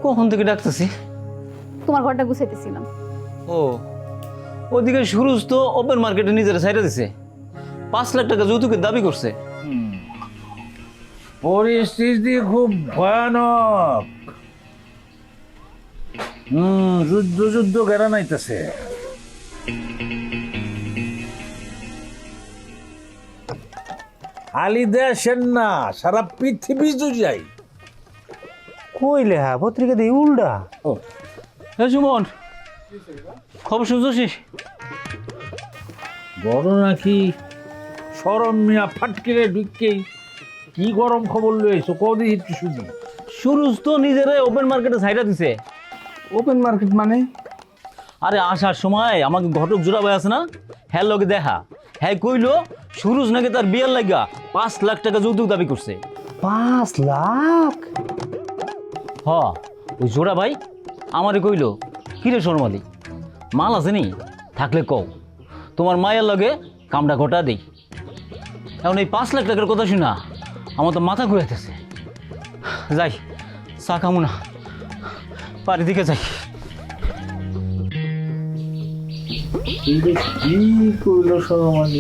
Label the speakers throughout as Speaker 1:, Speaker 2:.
Speaker 1: কখন থেকে ডাকতেছি?
Speaker 2: তোমার ঘরটা গুছাইতেছিলাম।
Speaker 1: ও, ওদিকে সুরজ তো ওপেন মার্কেটে নিজের সাইডে দিছে, 5 লাখ টাকা যৌতুকের দাবি করছে।
Speaker 3: পরিস্থিতি খুব ভয়ানক। যুদ্ধ যুদ্ধ গেরা নাইতেছে। খালি দেশের না, সারা পৃথিবী জুড়াই।
Speaker 4: কইলে হ্যাঁ পত্রিকা দিয়ে উল্টা।
Speaker 1: হ্যাঁ সুমন, খবর শুনছিস?
Speaker 3: বড় নাকি সরম মিয়া ফাটকিরে ঢুকেই কি গরম খবর লইছো কদি একটু শুনি।
Speaker 1: সুরজ তো নিজেরাই ওপেন মার্কেটে সাইডে দিছে।
Speaker 4: ওপেন মার্কেট মানে?
Speaker 1: আরে আসার সময় আমাকে ঘটক জোড়া ভাই আছে না, হ্যাঁ লগে দেখা, হ্যাঁ কইলো সুরজ নাকি তার বিয়ের লাগা 5 লাখ টাকা যৌতুক দাবি করছে।
Speaker 4: 5 লাখ?
Speaker 1: হ, ওই জোড়া ভাই আমারে কইলো, কিরে শর্মালি মাল আছে নি, থাকলে কও, তোমার মায়ের লগে কামটা ঘটা দেই। এখন এই 5 লাখ টাকার কথা শুনা আমার তো মাথা ঘুরাইতেছে। যাই চা খামু না, বাড়ির দিকে যাই।
Speaker 3: কি করলো সরমানি?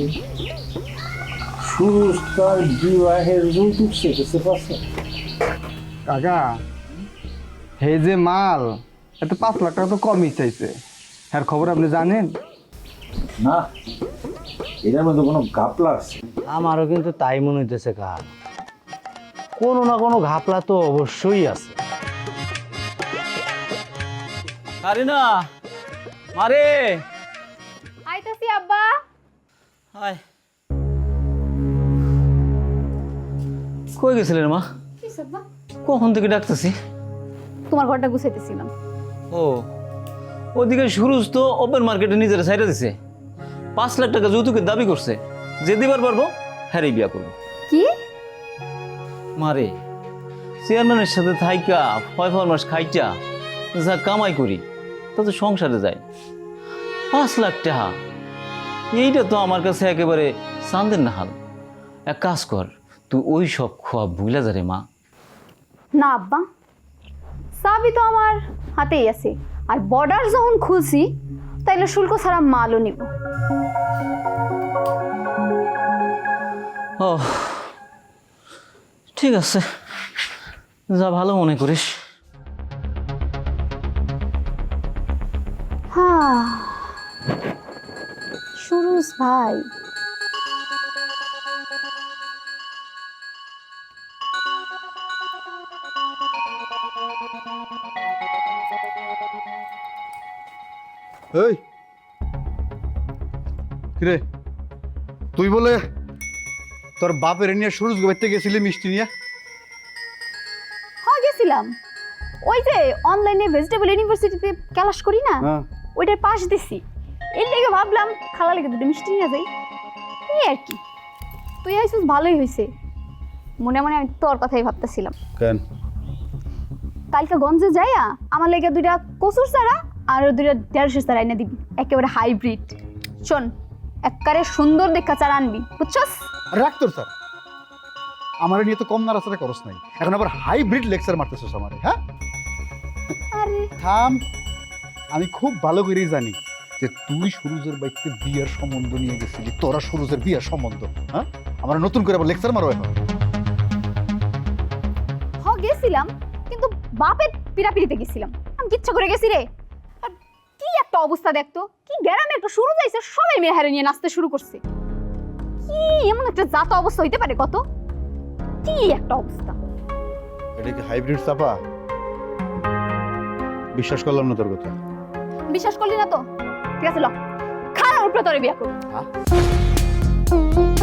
Speaker 3: সুরজ তার বিবাহের যৌতুক চেয়েছে পাশে।
Speaker 4: কাকা, এই যে মাল এত 5 লাখ টাকা তো কমই চাইছে। হ্যাঁ খবর আপনি জানেন?
Speaker 3: না, এটার মধ্যে কোনো ঘাপলা আছে।
Speaker 4: আমারও কিন্তু তাই মনে হইতেছে কার, কোনো না কোনো ঘাপলা তো অবশ্যই আছে।
Speaker 1: আরে না মারে,
Speaker 2: আইতাছি আব্বা।
Speaker 1: হায় কই গেছিলেন মা? কখন থেকে ডাকতেছি?
Speaker 2: তোমার ঘরটা গুছাইতেছিলাম।
Speaker 1: ও, ওদিকে সুরজ তো ওপেন মার্কেটে নিজের সাইডে দিছে, 5 লাখ টাকা যৌতুকের দাবি করছে। যে দিবার পারবো হ্যাঁ বিয়া করবো।
Speaker 2: কি?
Speaker 1: মারে, চেয়ারম্যানের সাথে থাইকা 5 মাস খাইটা যা কামাই করি তাতে সংসারে যায় 5 লাখ টাকা। এইটা তো আমার কাছে একেবারে চান্দের নাহাল। এক কাজ কর, তুই ওই সব খোয়া ভুলা যা রে মা।
Speaker 2: না আব্বা, চাবি তো আমার হাতেই আছে, আর বর্ডার যখন খুলছি তাইলে শুল্ক ছাড়া মালও নিব।
Speaker 1: ও ঠিক আছে, যা ভালো মনে করিস।
Speaker 2: হ্যাঁ, সুরজ ভাই,
Speaker 5: এই কিরে, তুই বলে তোর বাপের নিয়ে সুরজ গোবাইতে গেছিলি মিষ্টি নিয়ে?
Speaker 2: হ্যাঁ গেছিলাম। ওই যে অনলাইনে ভেজিটেবল ইউনিভার্সিটিতে ক্লাস করি না,
Speaker 5: হ্যাঁ।
Speaker 2: ওইটার পাশ দিছি। এর লেগে ভাবলাম খালা লেগে দুটো মিষ্টি নিয়ে যাই, এই আর কি। তুই আইসিস ভালোই হয়েছে। মনে মনে আমি তোর কথাই ভাবতেছিলাম।
Speaker 5: কেন?
Speaker 2: কালকে গঞ্জে যাইয়া আমার লেগে 2টা কচুর চারা আর 2টা 150 চারা এনে দিবি, একেবারে হাইব্রিড। শোন, একবারে সুন্দর দেখা চারা আনবি, বুঝছস?
Speaker 5: রাখ তোর স্যার, আমার নিয়ে তো কম নাড়াচাড়া করস নাই, এখন আবার হাইব্রিড লেকচার মারতেছিস আমারে। হ্যাঁ
Speaker 2: আরে
Speaker 5: থাম, আমি খুব ভালো করেই জানি যে তুই সুরজের বাড়িতে বিয়ের সম্বন্ধ নিয়ে গেছিলি, তোরা সুরজের বিয়ের সম্বন্ধ। হ্যাঁ, আমার নতুন করে আবার লেকচার মারো এখন?
Speaker 2: হ গেছিলাম, কিন্তু বাপের পিড়াপিড়িতে গেছিলাম। আমি কিচ্ছা করে গেছি রে। আর কি একটা অবস্থা দেখতো, কি গ্রামে একটা শুরু যাইছে, সবাই মেয়ে হারে নিয়ে নাচতে শুরু করছে। কি এমন একটা জাত অবস্থা হইতে পারে কত? কি একটা অবস্থা।
Speaker 5: এটা কি হাইব্রিড চাপা? বিশ্বাস করলাম না তোর কথা।
Speaker 2: বিশ্বাস করলি না তো? ঠিক আছে, ল খারাপ উপরে তোরে বিয়া করব।
Speaker 5: হ্যাঁ?